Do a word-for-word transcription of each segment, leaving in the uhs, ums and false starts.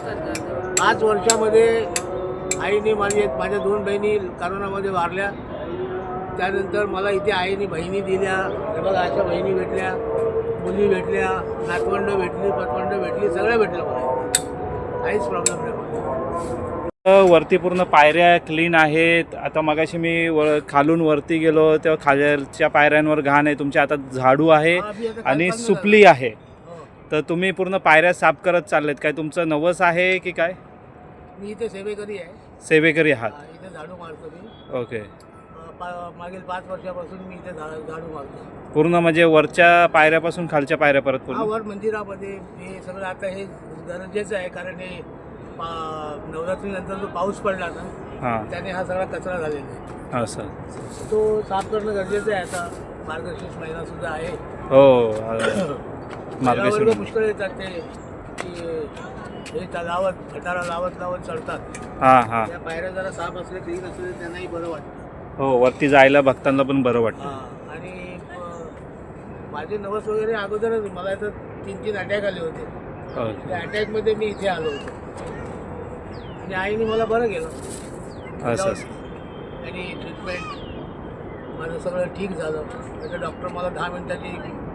पाच वर्षामध्ये आईने माझे माझ्या दोन बहिणी करोनामध्ये वारल्या. त्यानंतर मला इथे आईने बहिणी दिल्या. हे बघा अशा बहिणी भेटल्या, मुली भेटल्या, नातवंड भेटली, पतवंड भेटली, सगळं भेटलं मला. काहीच प्रॉब्लेम नाही मला. वरती पूर्ण पायऱ्या क्लीन आहेत. आता मगाशी मी व खालून वरती गेलो तेव्हा खालच्या पायऱ्यांवर घाण आहे. तुमच्या आता झाडू आहे आणि सुपली आहे. तर तुम्ही पूर्ण पायऱ्या साफ करत चाललेत. काय तुमचं नवस आहे की काय? मी इथे सेवेकरी आहे. सेवेकरी आहात? इथे झाडू मारतो मी. ओके. मागील पाच वर्षापासून मी इथे झाडू मारतो. पूर्ण म्हणजे वरच्या पायऱ्यापासून खालच्या पायऱ्या परत पूर्ण? वर मंदिरामध्ये हे सगळं आता हे गरजेचं आहे, कारण हे नवरात्रीनंतर जो पाऊस पडला ना, हां, त्याने हा सगळा कचरा झालेला आहे. हां सर. तो साफ करणं गरजेचं आहे. आता मार्गशीर्ष महिना सुद्धा आहे. हो, मार्गशीर्ष पुष्कळ येतात ते की हे लावत खटारा लावत लावत चढतात. हां हां. त्या पायऱ्या जरा साफ असले, क्लीन असले, त्यांनाही बरं वाटतं. हो, वरती जायला भक्तांना पण बरं वाटतं. हां. आणि माझे नवस वगैरे अगोदरच मला तर तीन तीन अटॅक आले होते. त्या अटॅकमध्ये मी इथे आलो होतो आणि आईने मला बरं केलं. असं आणि ट्रीटमेंट माझं सगळं ठीक झालं. त्याचं डॉक्टर मला दहा मिनटाची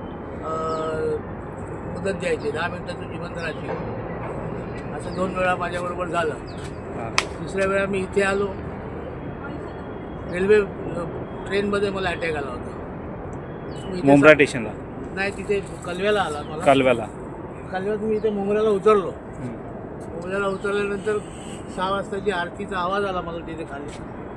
मुदत द्यायची, दहा मिनटाची जिवंत राहायची. असं दोन वेळा माझ्याबरोबर झालं. तिसऱ्या वेळा मी इथे आलो. रेल्वे ट्रेनमध्ये मला अटॅक आला होता. मुंब्रा स्टेशनला? नाही, तिथे कलव्याला आला मला. कलव्याला? कलव्यात मी इथे मुंब्र्याला उतरलो. मुंब्र्याला उतरल्यानंतर सहा वाजताची आरतीचा आवाज आला मला तिथे खाली.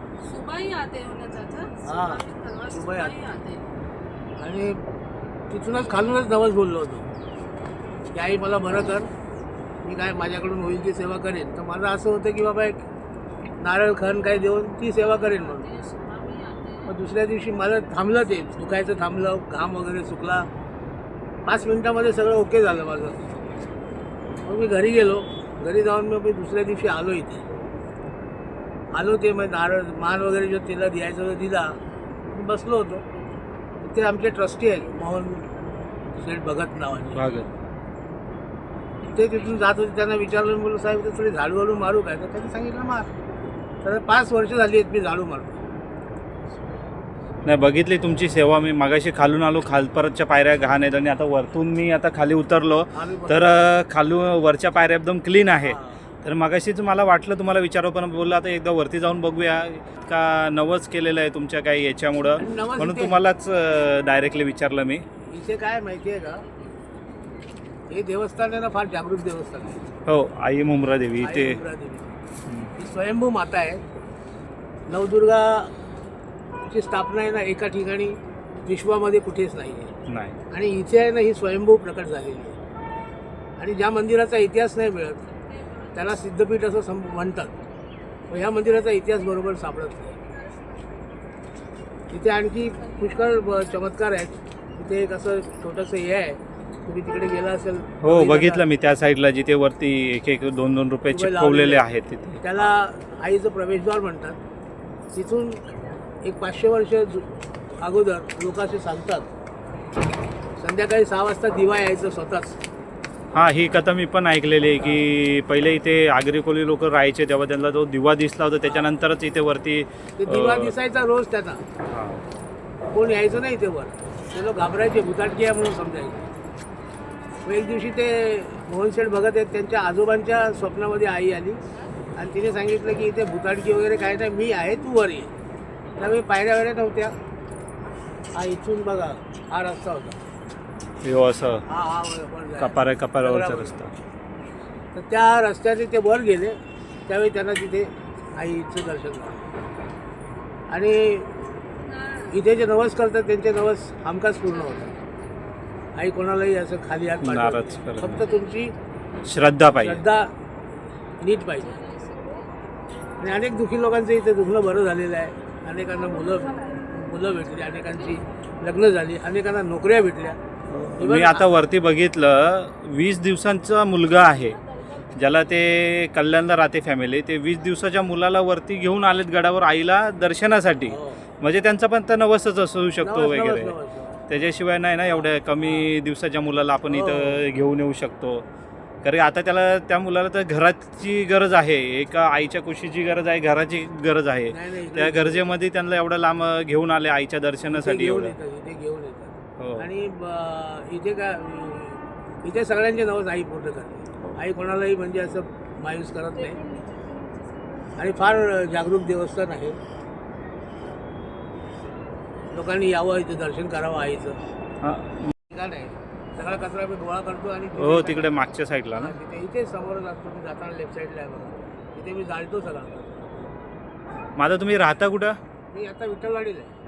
हां, सुबाई आते. आणि तिथूनच खालूनच नवस बोललो होतो की आई मला बरं कर, मी काय माझ्याकडून होईल ती सेवा करेन. तर माझं असं होतं की बाबा एक नारळ खण काय देऊन ती सेवा करेन म्हणून. मग दुसऱ्या दिवशी मला थांबलं, ते दुखायचं थांबलं, घाम वगैरे सुकला. पाच मिनटामध्ये सगळं ओके झालं माझं. मग मी घरी गेलो. घरी जाऊन मग मी दुसऱ्या दिवशी आलो इथे. आलो ते मग नारळ मान वगैरे जो तिला द्यायचं होतं दिला. मी बसलो होतो. ते आमचे ट्रस्टी आहेत, मोहन शेठ भगत नावाचे. भागत ते तिथून जात होते. त्यांना विचारलं, बोललो साहेब तर थोडी झाडू वाळू मारू काय? तर त्यांनी सांगितलं मार. तर पाच वर्ष झाली आहेत मी झाडू मारतो. नाही, बघितली तुमची सेवा. मी मागाशी खालून आलो, खाल परतच्या पायऱ्या घाण आहेत आणि आता वरतून मी आता खाली उतरलो तर खालून वरच्या पायऱ्या एकदम क्लीन आहे. तर मागाशीच मला वाटलं तुम्हाला विचारावं, पण बोललं आता एकदा वरती जाऊन बघूया का नवस केलेलं आहे तुमच्या काही याच्यामुळं, म्हणून तुम्हालाच डायरेक्टली विचारलं मी. इथे काय माहिती आहे का, हे देवस्थान आहे ना, फार जागृत देवस्थान आहे. हो, आई मुंब्रा देवी इथे. ही स्वयंभू माता आहे. नवदुर्गाची स्थापना आहे ना एका ठिकाणी, विश्वामध्ये कुठेच नाही आहे. नाही. आणि इथे आहे ना ही स्वयंभू प्रकट झालेली आहे. आणि ज्या मंदिराचा इतिहास नाही मिळत त्याला सिद्धपीठ असं सम म्हणतात. व ह्या मंदिराचा इतिहास बरोबर सापडत नाही. इथे आणखी पुष्कळ चमत्कार आहेत. इथे एक असं छोटंसं हे आहे, तुम्ही तिकडे गेला असेल. हो, बघितलं मी त्या साईडला, जिथे वरती एक एक दोन दोन रुपये चिपकवलेले आहेत तिथे. त्याला आईचं प्रवेशद्वार म्हणतात. तिथून एक पाचशे वर्ष अगोदर लोक असे सांगतात, संध्याकाळी सहा वाजता दिवा यायचं स्वतःच. हां, ही कथा मी पण ऐकलेली आहे की पहिले इथे आगरी कोळी लोक राहायचे तेव्हा त्यांना जो दिवा दिसला होता त्याच्यानंतरच इथे वरती ते दिवा दिसायचा रोज त्यांना. कोण यायचं नाही इथे वर. ते लोक घाबरायचे, भुताटकी आहे म्हणून समजायचे. एक दिवशी ते मोहनशेठ भगत आहेत, त्यांच्या आजोबांच्या स्वप्नामध्ये आई आली आणि तिने सांगितलं की इथे भुताटकी वगैरे काय नाही, मी आहे, तू वर ये. त्यावेळी पायऱ्या वगैरे नव्हत्या. हा इथून बघा हा रस्ता होता. हो, असं हा हा कपाऱ्या कपाऱ्यावरचा रस्ता. तर त्या रस्त्याने ते वर गेले. त्यावेळी त्यांना तिथे आईचं दर्शन झालं. आणि इथे जे नवस करतात त्यांचे नवस हमखास पूर्ण होतात. आई कोणालाही असं खाली हात नाराज पाठवत, करत फक्त तुमची श्रद्धा पाहिजे, श्रद्धा नीट पाहिजे. आणि अनेक दुःखी लोकांचं इथे दुखणं बरं झालेलं आहे. अनेकांना मुलं मुलं भेटली, अनेकांची लग्न झाली, अनेकांना नोकऱ्या भेटल्या. मी आता वरती बघितलं, वीस दिवसांचा मुलगा आहे ज्याला ते कल्याणला राहते फॅमिली. ते वीस दिवसाच्या मुलाला वरती घेऊन आलेत गडावर आईला दर्शनासाठी. म्हणजे त्यांचा पण तर नवसच असू शकतो वगैरे. त्याच्याशिवाय नाही ना, एवढ्या कमी दिवसाच्या मुलाला आपण इथं घेऊन येऊ शकतो. कारण की आता त्याला त्या मुलाला तर घराची गरज आहे, एका आईच्या कुशीची गरज आहे, घराची गरज आहे. नाही नाही त्या इकडे- गरजेमध्ये त्यांना एवढं लांब घेऊन आले आईच्या इथे दर्शनासाठी घेऊन एवढं. येतात इथे घेऊन येतात हो आणि ब- इथे काय इथे सगळ्यांचे नवस आई पूर्ण करते. आई कोणालाही म्हणजे असं मायूस करत नाही आणि फार जागरूक देवस्थान आहे. लोकांनी यावं इथे दर्शन करावं आईचं. हा. ठिकाण आहे, सगळा कचरा मी गोळा करतो आणि तिथे हो टाकतो. तिकडे मागच्या साईडला ना. हा, तिथे इथे समोरच असतो मी जाताना लेफ्ट साईडला आहे बघा, तिथे मी जाळतो सगळा कचरा. माझा तुम्ही राहता कुठं? मी आता विठ्ठलवाडीला आहे.